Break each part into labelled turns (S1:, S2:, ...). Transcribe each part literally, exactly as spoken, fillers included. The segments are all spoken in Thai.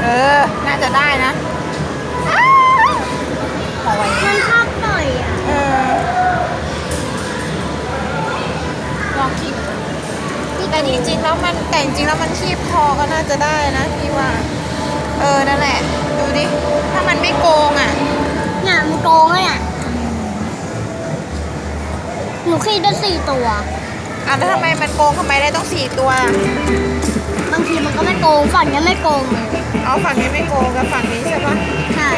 S1: เออน่าจะได้นะพอไว้
S2: มันชอบปล่อยอ่ะ
S1: เออลองคีบแต่จริงๆแล้วมันแต่จริงๆแล้วมันคีบคอก็น่าจะได้นะพี่ว่า เออนั่นแหละ ดูดิ ถ้ามันไม่โกงอ่ะ
S2: เนี่ยมันโกงเลยอ่ะหนูคีบได้สี่ตัว
S1: อ่ะแล้วทำไมมันโกงทำไมได้ต้องสี่ตัว
S2: บางทีมันก็ไม่โกงฝั่งนี้ไม่โกงเลย
S1: เอาฝั่งนี้ไม่โกงกับฝั่งนี้ใช่ปะ
S2: ใช่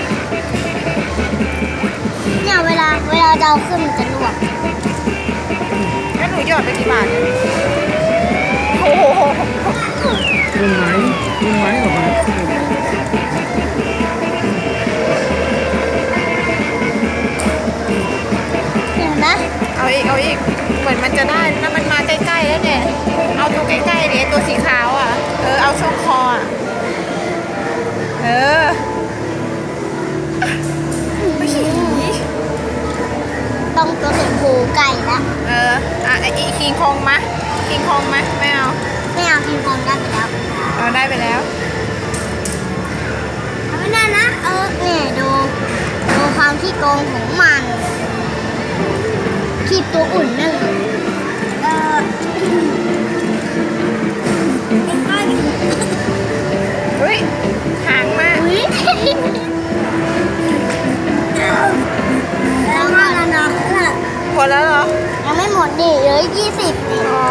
S2: เนี่ยเวลาเวลาเราขึ้นมันจะลวก
S1: งั้นหนูหยอดไปกี่บาทเนี่ยโอ้โห
S3: ลุงไม้ลุงไม้ออกมา
S2: เห็นไหม
S1: เอาอีก เอาอีก เหมือนมันจะได้แล้วมันมาใกล้ๆแล้วเนี่ย เอาตัวใกล้ๆเนี่ยตัวสีขาวอ่ะ เออ เอาช่วงคออ่ะ เออไม่ขี้
S2: ต้องตัวสีผูไก่ละ
S1: เออ อ่ะไอ้อีคิงคองมะคิงคองมะไม่เอา
S2: ไม่เอากินคองได้ไปแล้ว
S1: เอาได้ไปแล้ว
S2: เอาไม่ได้นะเออเนี่ยดูดูความขี้โกงของมันคีบตัวอุ่นนั่นเลยเออ
S1: เฮ้ย หางมา
S2: อุ๊ยแล้วก็แล้วนะ
S1: หมดแล้วเหรอ
S2: ยังไม่หมดดิเหลือยี่สิบดิ
S1: อ๋อ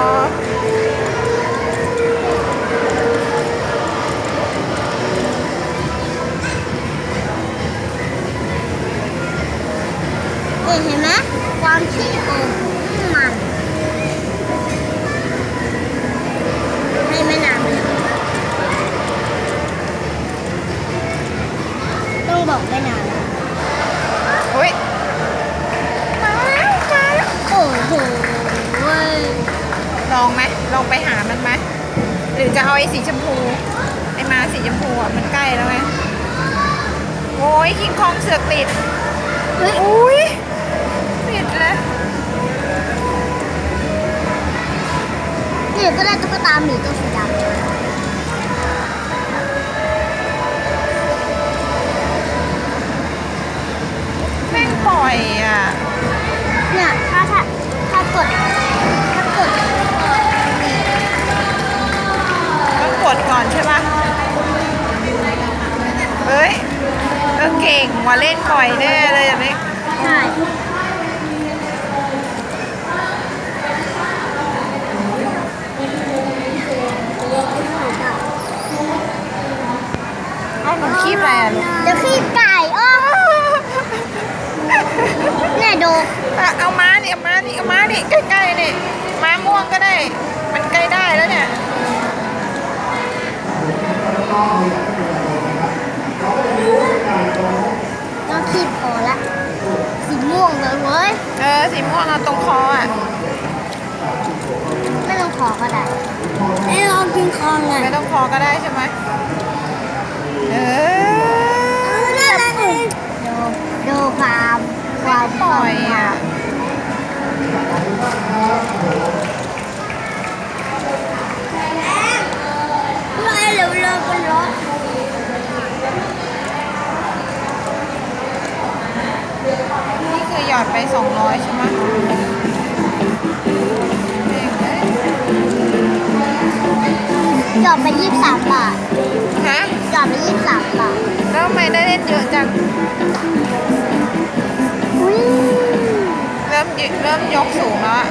S2: เนี่ยเห็นไหมความขี้โกงของมันให้ไม่นานมันต้องบอกไม่นาน
S1: เฮ้ย มาแล้ว มาแล้ว
S2: โอ้โหเว้ย
S1: ลองไหมลองไปหามันไหมหรือจะเอาไอ้สีชมพู ไอ้มาสีชมพูอ่ะ มันใกล้แล้วไง โอ้ยคิงคองเสือกติด
S2: เฮ้ย
S1: อุ้ยติดเลย
S2: เนี่ยก็ได้ตุ๊กตาหมีตัวสีดำ
S1: แม่งปล่อยอ่ะ
S2: เนี่ยถ้าถ้าถ้ากดถ้ากด
S1: ต้องกดก่อนใช่ปะเฮ้ยเออเก่งว่าเล่นบ่อยแน่เลยอย่างนี้
S2: ใช่
S1: เอาหนูคีบอะไรอ่ะลูก
S2: เดี๋ยวขี้ไก่อ้อเนี่ยดู
S1: อ่ะเอาม้านี่เอาม้านี่เอาม้านี่ใกล้ๆนี่ม้าม่วงก็ได้ มันใกล้ได้แล้วเนี่ย
S2: ต้องขีดพอละสีม่วงเลยเว้ย
S1: เออสีม่วงเอาตรงคออ่ะ
S2: ไม่ต้องขอก็ได้ไอ้ลองกินคองไง
S1: ไม่ต้องคอก็ได้ใช่ไหมเออ
S2: ดูดูความความ
S1: ปล่อยอ่ะ
S2: ไม่เร็วเลยเป็นรถ
S1: นี่คือหยอดไปสองร้อยใช่ไหมเก่งเลย
S2: หยอดไปยี่สิบสามบาท
S1: ฮะ
S2: หยอดไปยี่สิบสามบาท
S1: แล้วทำไมได้เล่นเยอะจัง
S2: อุ้ย
S1: เริ่มยเริ่มยกสูงแล้วอะ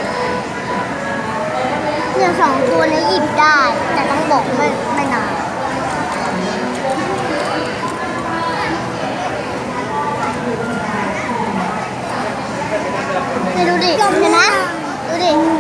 S2: เนี่ยสองตัวนี้หยิบได้ แต่ต้องบอกไม่ไม่นานเนี่ยดูดิเห็นไหมดูดิ